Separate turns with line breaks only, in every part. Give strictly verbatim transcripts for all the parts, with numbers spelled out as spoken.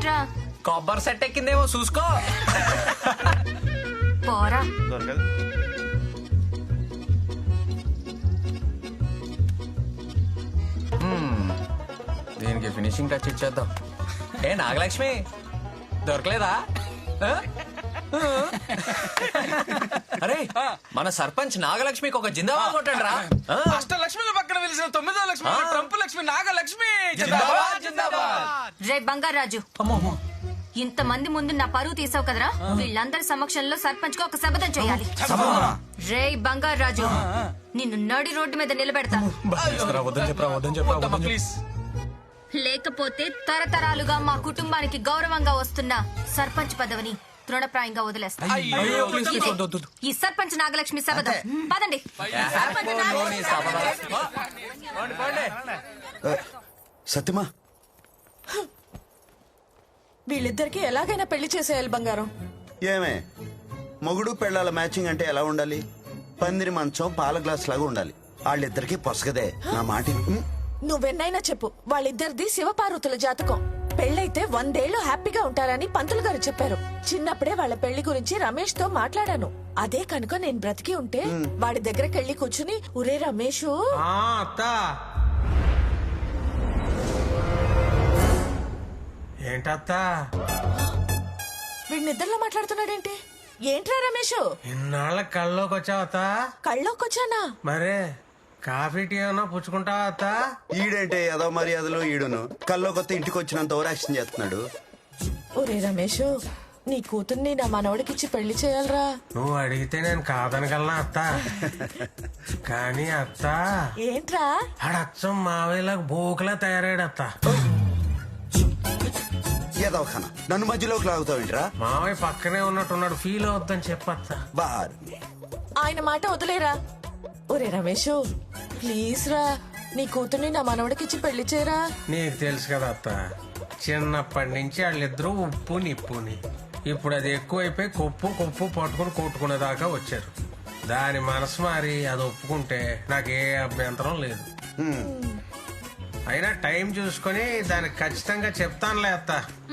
ఏంట్రా
కొబ్బరి సెట్ ఎక్కిందేమో చూసుకో.
పోరా.
దీనికి ఫినిషింగ్ టచ్ ఇచ్చేద్దాం. ఏ నాగలక్ష్మి దొరకలేదా? ఆ? అరే మన సర్పంచ్ నాగలక్ష్మికి ఒక జిందాబాద్ కొట్టండి రా.
అష్టలక్ష్మి పక్కన వెలిసిన తొమ్మిదో లక్ష్మి ట్రంప్ లక్ష్మి నాగలక్ష్మి.
రే బంగారాజు, ఇంత మంది ముందు నా పరువు తీసావు కదరా. వీళ్ళందరి సమక్షంలో సర్పంచ్ కు ఒక శపథం చేయాలి. రే బంగారాజు, నిన్ను నడి రోడ్డు మీద నిలబెడతా.
ప్లీజ్.
లేకపోతే తరతరాలుగా మా కుటుంబానికి గౌరవంగా వస్తున్న సర్పంచ్ పదవిని తృణప్రాయంగా వదిలేస్తా. ఇదే ఈ సర్పంచ్ నాగలక్ష్మి శపథం. పదండి.
సత్యమా,
వీళ్ళిద్దరికి ఎలాగైనా పెళ్లి చేసేయాలి బంగారం.
ఏమే మొగుడు పెళ్ళాల మ్యాచింగ్ అంటే ఎలా ఉండాలి? పందిరి మంచం పాల గ్లాస్ లాగా ఉండాలి. వాళ్ళిద్దరికి పొసగదే. నా మాట విను.
నువ్వెన్నైనా చెప్పు, వాళ్ళిద్దరిది శివపార్వతుల జాతకం. పెళ్ళైతే వందేళ్లు హ్యాపీగా ఉంటారని పంతులు గారు చెప్పారు. చిన్నప్పుడే వాళ్ళ పెళ్లి గురించి రమేష్ తో మాట్లాడాను. అదే కనుక నేను బ్రతికి ఉంటే వాడి దగ్గరికి వెళ్ళి కూర్చుని, ఒరే రమేష్,
ఏంటత్తా
వీడి నిద్రలో మాట్లాడుతున్నాడేంటి? ఏంట్రా రమేష్,
ఇన్నాళ్ళ కళ్ళలోకి వచ్చావత్తా?
కళ్ళోకొచ్చానా?
మరే కాఫీ టీ ఏమన్నా పుచ్చుకుంటావా అత్తా?
ఈడేంటే ఏదో మర్యాదలు ఈడును కల్లో కొత్త ఇంటికి వచ్చినంత ఓవరాక్షన్ చేస్తున్నాడు.
ఒరే రమేష్, నీ కూతుర్ని నా మనవడికిచ్చి పెళ్లి చేయాలరా.
నువ్వు అడిగితే నేను కాదనగలనా అత్తా? కానీ అత్తా,
ఏంట్రా
ఆడచ్చం మావయ్యలకు బోకులా తయారాడు అత్తా.
ఏదో ఖానా నన్ను మధ్యలోకి లాగుతావేంట్రా?
మావయ్య పక్కనే ఉన్నట్టున్నాడు, ఫీల్ అవుద్దని చెప్పత్తా.
బార్
ఆయన మాట వదిలేరా. ఒరే రమేష్, ప్లీజ్ రా, నీ కూతుర్ని నా మనవడికిచ్చి పెళ్లి చేయరా.
నీకు తెలుసు కదా అత్త, చిన్నప్పటి నుంచి వాళ్ళిద్దరూ ఉప్పు నిప్పుని. ఇప్పుడు అది ఎక్కువైపోయి కొప్పు కొప్పు పట్టుకుని కొట్టుకునే దాకా వచ్చారు. దాని మనసు మారి అది ఒప్పుకుంటే నాకే అభ్యంతరం లేదు. అయినా టైం చూసుకొని దానికి ఖచ్చితంగా చెప్తానులే అత్త.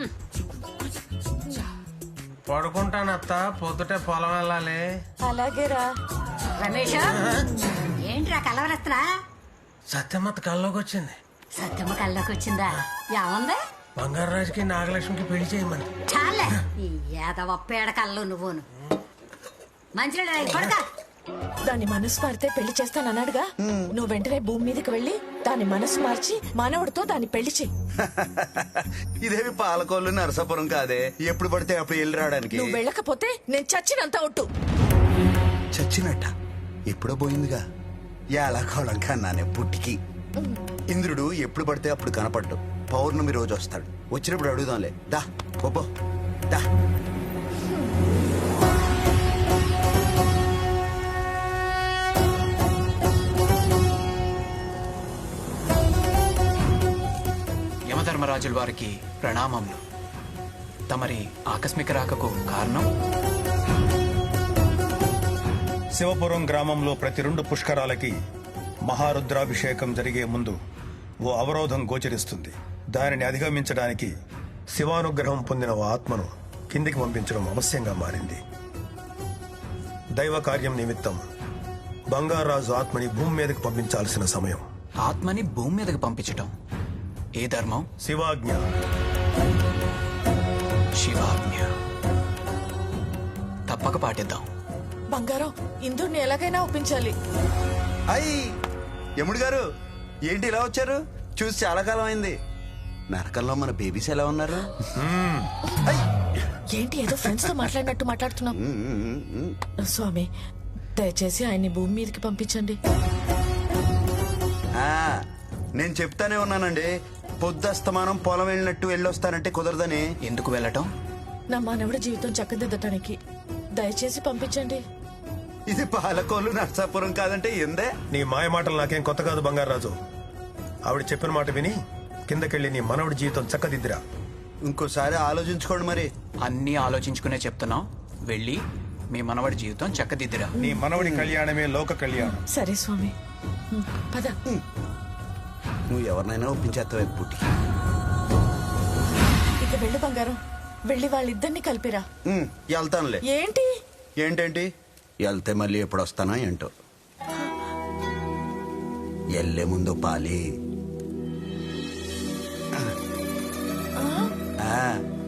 పడుకుంటాను అత్త, పొద్దుటే పొలం వెళ్ళాలి.
అలాగేరా.
రమేష్, ఏంట్రా కలవరత్రా?
సత్యమత్త కల్లోకి వచ్చింది.
సత్యమ్మ కల్లోకి వచ్చిందా? ఏముంది?
బంగారాజుకి నాగలక్ష్మికి పెళ్లి చేయమని.
చాలే ఈ ఏదవ పేడ కళ్ళు నువ్వును. మంచిగా పడతా.
దాని మనసు మారితే పెళ్లి చేస్తానన్నాడుగా. నువ్వు వెంటనే భూమి మీదకి వెళ్ళి దాని మనసు మార్చి మనవడితో దాన్ని పెళ్లి చెయ్యి.
ఇదేమి పాలకోళ్ళు నరసాపురం కాదే, ఎప్పుడు పడితే అప్పుడు వెళ్ళి రావడానికి.
నువ్వు వెళ్ళకపోతే నేను చచ్చినంత ఒట్టు.
చచ్చినట్ట ఎప్పుడో పోయిందిగా. ఎలా కోళం కన్నానే పుట్టికి. ఇంద్రుడు ఎప్పుడు పడితే అప్పుడు కనపడ్డు. పౌర్ణమి రోజు వస్తాడు. వచ్చినప్పుడు అడుగుదాంలే. దా పోపో దా.
యమధర్మరాజుల వారికి ప్రణామములు. తమరి ఆకస్మిక రాకకు కారణం?
శివపురం గ్రామంలో ప్రతి రెండు పుష్కరాలకి మహారుద్రాభిషేకం జరిగే ముందు ఓ అవరోధం గోచరిస్తుంది. దానిని అధిగమించడానికి శివానుగ్రహం పొందిన ఓ ఆత్మను కిందికి పంపించడం అవశ్యంగా మారింది. దైవ కార్యం నిమిత్తం బంగారాజు ఆత్మని భూమి మీదకి పంపించాల్సిన సమయం.
ఆత్మని భూమి మీదకి పంపించటం ఏ ధర్మం?
శివాజ్ఞ.
శివాజ్ఞ. తప్పక పాటిద్దాం.
బంగారం, ఇందుని ఎలాగైనా ఒప్పించాలి.
అయ్యి యముడు గారు, ఏంటి ఇలా వచ్చారు? చూసి చాలా కాలం అయింది. నరకంలో మన బేబీస్ ఎలా ఉన్నారు?
ఏంటి ఏదో ఫ్రెండ్స్ తో మాట్లాడినట్టు మాట్లాడుతున్నాం. స్వామి, దయచేసి ఆయన్ని భూమి మీదకి పంపించండి.
ఆ, నేను చెప్తానే ఉన్నానండి, పొద్దుస్తమానం పొలం వెళ్ళినట్టు వెళ్ళొస్తానంటే కుదరదని.
ఎందుకు వెళ్ళటం?
నా మానవుడి జీవితం చక్కదిద్దటానికి. దయచేసి పంపించండి.
ఇది పాలకోళ్ళు నర్సాపురం కాదంటే ఎందే.
నీ మాయ మాటలు నాకేం కొత్త కాదు బంగారాజు. ఆవిడ చెప్పిన మాట విని కిందకెళ్ళి నీ మనవడి జీవితం చక్కదిద్దిరా.
ఇంకోసారి ఆలోచించుకోండి మరి.
అన్నీ ఆలోచించుకునే చెప్తున్నాం. వెళ్ళి మీ మనవడి జీవితం చక్కదిద్దిరా.
నీ మనవడి కళ్యాణమే లోక కళ్యాణం.
సరే స్వామి, పద.
నువ్వు ఎవరినైనా ఒప్పించేస్తావు పుట్టి.
ఇక వెళ్ళి వెళ్ళు బంగారం, వెళ్ళి వాళ్ళిద్దరిని కలిపిరా.
ఉమ్, వెళ్తానులే.
ఏంటి?
ఏంటేంటి వెళ్తే మళ్ళీ ఎప్పుడు వస్తానా ఏంటో. వెళ్ళే ముందు పాలి. ఆ.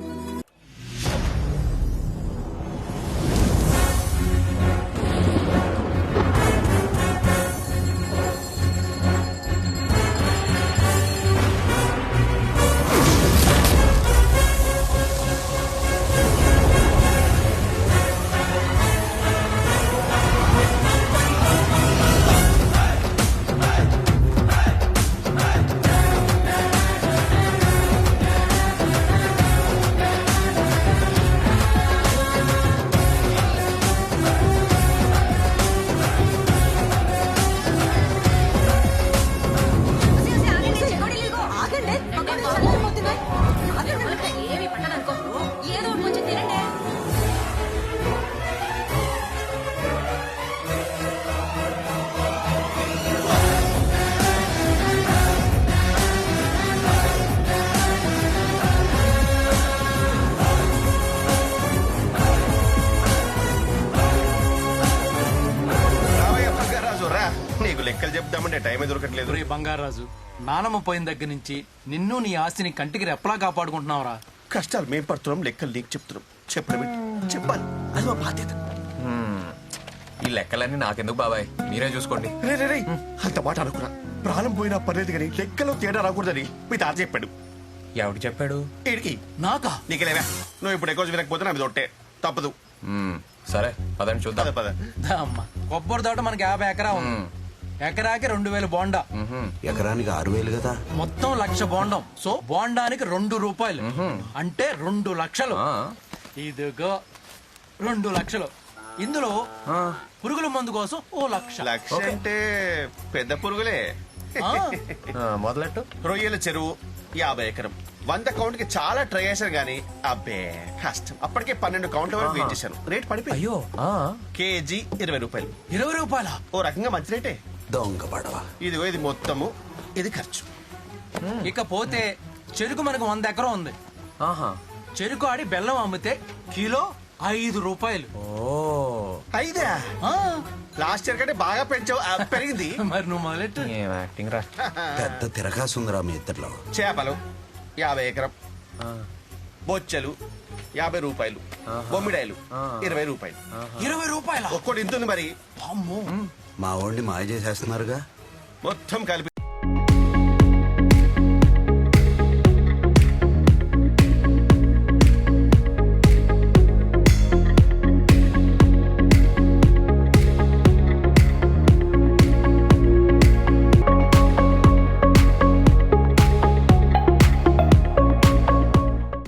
ఏమి పట్టదనుకో, ఏదో ఒకటి కొంచెం తినండి.
రావయ్య బంగారాజు రా, నీకు లెక్కలు చెప్దామంటే టైమే దొరకట్లేదు.
రే బంగారాజు, నానమ్మ పోయిన దగ్గర నుంచి నిన్ను నీ ఆస్తిని కంటికి రెప్పలా కాపాడుకుంటున్నావురా.
కష్టాలు మేం పడుతున్నాం, లెక్కలు నీకు చెప్తున్నాం. చెప్పడం ఏంటి? చెప్పాలి, అది మా బాధ్యత.
ఈ లెక్కలన్నీ నాకెందుకు బాబాయ్, మీరే చూసుకోండి.
రే రే రే అంత మాట అనుకున్నా. ప్రాణం పోయినా పర్లేదు కానీ లెక్కలో తేడా రాకూడదని మీ తాత చెప్పాడు.
ఎవడు చెప్పాడు?
ఈడికి
నాకా?
నీకెలేవా, నువ్వు ఇప్పుడు ఎక్కువ వినకపోతే నాకు తొట్టే తప్పదు.
మ్మ్, సరే పదండి
పద
చూద్దాం.
పద.
దా అమ్మ, కొబ్బరి తోట మనకి యాభై ఎకరా ఉంది. ఎకరాకి రెండు వేల బోండా,
ఎకరానికి ఆరు వేలు కదా.
మొత్తం లక్ష బోండం. సో బోండానికి రెండు రూపాయలు అంటే రెండు లక్షలు.
ఆ,
ఇదిగో రెండు లక్షలు. ఇందులో పురుగుల మందు కోసం ఓ లక్ష.
లక్ష అంటే పెద్ద పురుగులే.
ఆ,
ఆ, మొదలెట్టు.
రొయ్యల చెరువు యాభై ఎకరం. వంద కౌంట్ కి చాలా ట్రై చేశాను గానీ అబ్బే కష్టం. అప్పటికే పన్నెండు కౌంట్ల వరకు వెయిట్ చేశాను. రేట్ పడిపోయి
అయ్యో, ఆ,
కేజీ ఇరవై రూపాయలు.
ఇరవై రూపాయల
ఓ రకంగా మంచి రేటే.
దొంగ పడవ.
ఇదిగో ఇది మొత్తము, ఇది ఖర్చు.
ఇకపోతే చెరుకు మనకు వంద ఎకరం ఉంది.
ఆహా,
చెరుకు ఆడి బెల్లం అమ్మితే కిలో ఐదు రూపాయలు.
ఓ,
అయిదా
ఆ,
లాస్ట్ ఇయర్ కంటే బాగా పెంచావు. ఆ, పెరిగింది.
మరి నువ్వు మొదలెట్టు.
ఏం యాక్టింగ్ రా.
పెద్ద తిరగాసుందిరా మీ ఇద్దరిలో.
చేపలు యాభై ఎకరం. బొచ్చలు యాభై రూపాయలు. బొమ్మిడాయలు ఇరవై రూపాయలు.
ఇరవై రూపాయల
ఒక్కోటి ఇంతుంది మరి.
అమ్మో.
మా వాడిని మాయ చేసేస్తున్నారుగా.
మొత్తం కలిపి